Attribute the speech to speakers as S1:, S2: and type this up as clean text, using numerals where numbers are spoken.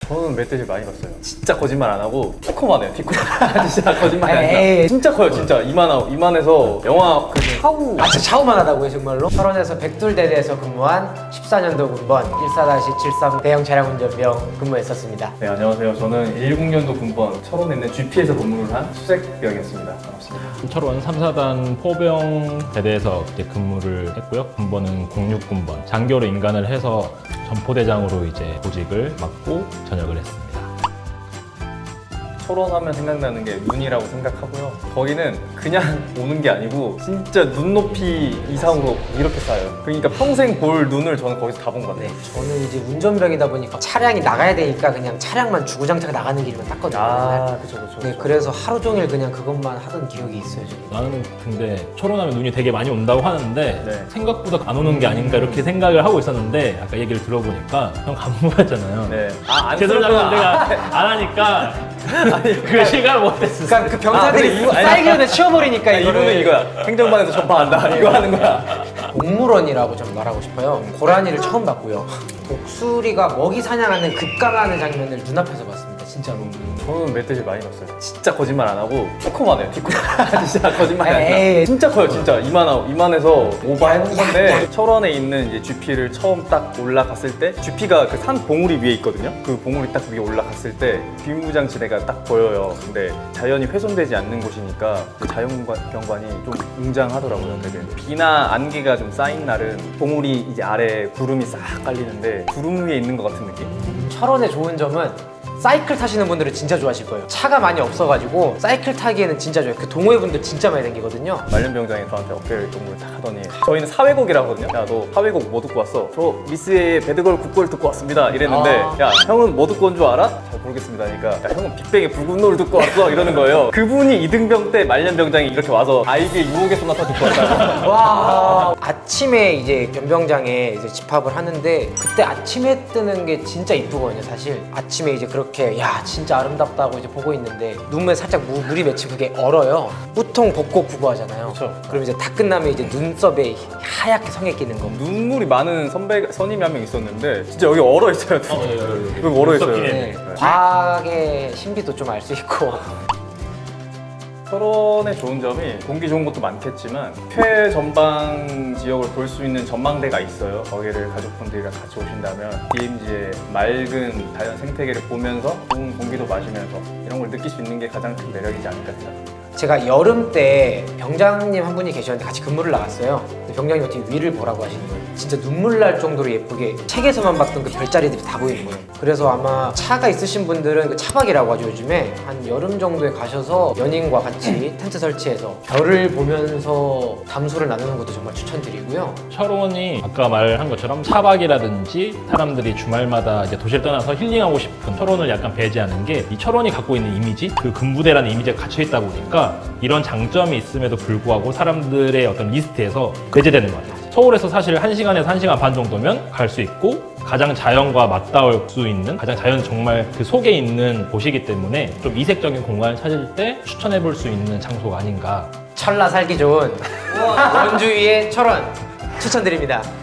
S1: 저는 멧돼지 많이 봤어요. 진짜 거짓말 안 하고 티코만 해요. 티코만. 진짜 거짓말이 아니라 진짜 커요. 진짜 이만해서 영화 그 샤우.
S2: 진짜 차우만 하다고요 정말로? 철원에서 백둘대대에서 근무한 14년도 군번 14-73 대형 차량 운전병 근무했었습니다.
S1: 네, 안녕하세요. 저는 10년도 군번 철원에 있는 GP에서 근무를 한 수색병이었습니다. 반갑습니다.
S3: 철원 3사단 포병 대대에서 이제 근무를 했고요. 군번은 06군번. 장교로 인간을 해서 전포대장으로 이제 보직을 맡고 전역을 했습니다.
S1: 철원 하면 생각나는 게 눈이라고 생각하고요. 거기는 그냥 오는 게 아니고 진짜 눈높이 이상으로 이렇게 쌓여요. 그러니까 평생 볼 눈을 저는 거기서 다 본 것 같아요.
S2: 저는 이제 운전병이다 보니까 차량이 나가야 되니까 그냥 차량만 주구장창 나가는 길만 땄거든요. 맨날.
S1: 그쵸.
S2: 네, 그래서 하루 종일 그냥 그것만 하던 기억이 있어요. 저는.
S3: 나는 근데 철원하면 눈이 되게 많이 온다고 하는데
S1: 네.
S3: 생각보다 안 오는 게 아닌가 이렇게 생각을 하고 있었는데 아까 얘기를 들어보니까 형 간부였잖아요.
S1: 네.
S3: 죄송합니다. 내가 안 하니까 그 시간을 못했어.
S2: 그러니까 그 병사들이 사이견에 치워버리니까
S1: 이거는 이거야. 행정반에서 전파한다. 이거 하는 거야.
S2: 동물원이라고 좀 말하고 싶어요. 고라니를 처음 봤고요. 독수리가 먹이 사냥하는 급강하는 장면을 눈앞에서 봤습니다. 진짜로.
S1: 저는 멧돼지 많이 봤어요. 진짜 거짓말 안 하고 티코만 해요. 티코만. 진짜 거짓말이 아니라.
S2: 에이.
S1: 진짜 커요. 진짜 이만해서 오버해놓은 건데 철원에 있는 이제 GP를 처음 딱 올라갔을 때 GP가 그 산 봉우리 위에 있거든요. 그 봉우리 딱 위에 올라갔을 때 비무장지대가 딱 보여요. 근데 자연이 훼손되지 않는 곳이니까 그 자연경관이 좀 웅장하더라고요. 되게 비나 안개가 좀 쌓인 날은 봉우리 이제 아래 구름이 싹 깔리는데 구름 위에 있는 것 같은 느낌?
S2: 철원의 좋은 점은 사이클 타시는 분들은 진짜 좋아하실 거예요. 차가 많이 없어가지고 사이클 타기에는 진짜 좋아요. 그 동호회분들 진짜 많이 다니거든요.
S1: 말년병장이 저한테 어깨 동무를 딱 하더니 저희는 사회곡이라 하거든요. 야, 너 사회곡 뭐 듣고 왔어? 저 미스의 배드걸 국걸 듣고 왔습니다. 이랬는데 야, 형은 뭐 듣고 온 줄 알아? 잘 모르겠습니다. 그러니까 야, 형은 빅뱅의 붉은 노을 듣고 왔어. 이러는 거예요. 그분이 이등병 때 말년병장이 이렇게 와서 아이비의 유혹의 소나타 듣고 왔다고.
S2: 와. 아침에 이제 변병장에 이제 집합을 하는데 그때 아침에 뜨는 게 진짜 이쁘거든요. 사실 아침에 이제 그렇게 야 진짜 아름답다고 이제 보고 있는데 눈에 살짝 물이 맺히고 그게 얼어요. 보통 벚꽃 구구하잖아요.
S1: 그쵸.
S2: 그럼 이제 다 끝나면 이제 눈썹에 하얗게 성에 끼는 거.
S1: 눈물이 많은 선임이 한 명 있었는데 진짜 여기 얼어 있어요. 여기 얼어 있어요.
S2: 네. 과학의 신비도 좀 알 수 있고.
S1: 철원의 좋은 점이 공기 좋은 것도 많겠지만 최전방 지역을 볼 수 있는 전망대가 있어요. 거기를 가족분들이랑 같이 오신다면 DMZ의 맑은 자연 생태계를 보면서 좋은 공기도 마시면서 이런 걸 느낄 수 있는 게 가장 큰 매력이지 않을까 생각합니다.
S2: 제가 여름 때 병장님 한 분이 계셨는데 같이 근무를 나갔어요. 근데 병장님 어떻게 위를 보라고 하시는 거예요. 진짜 눈물 날 정도로 예쁘게 책에서만 봤던 그 별자리들이 다 보이는 거예요. 그래서 아마 차가 있으신 분들은 그 차박이라고 하죠. 요즘에 한 여름 정도에 가셔서 연인과 같이 텐트 설치해서 별을 보면서 담소를 나누는 것도 정말 추천드리고요.
S3: 철원이 아까 말한 것처럼 차박이라든지 사람들이 주말마다 이제 도시를 떠나서 힐링하고 싶은 철원을 약간 배제하는 게 이 철원이 갖고 있는 이미지, 그 군부대라는 이미지가 갇혀 있다 보니까 이런 장점이 있음에도 불구하고 사람들의 어떤 리스트에서 배제되는 것 같아요. 서울에서 사실 1시간에서 1시간 반 정도면 갈 수 있고 가장 자연과 맞닿을 수 있는 가장 자연 정말 그 속에 있는 곳이기 때문에 좀 이색적인 공간을 찾을 때 추천해 볼 수 있는 장소가 아닌가.
S2: 철라 살기 좋은 원주위의 철원 추천드립니다.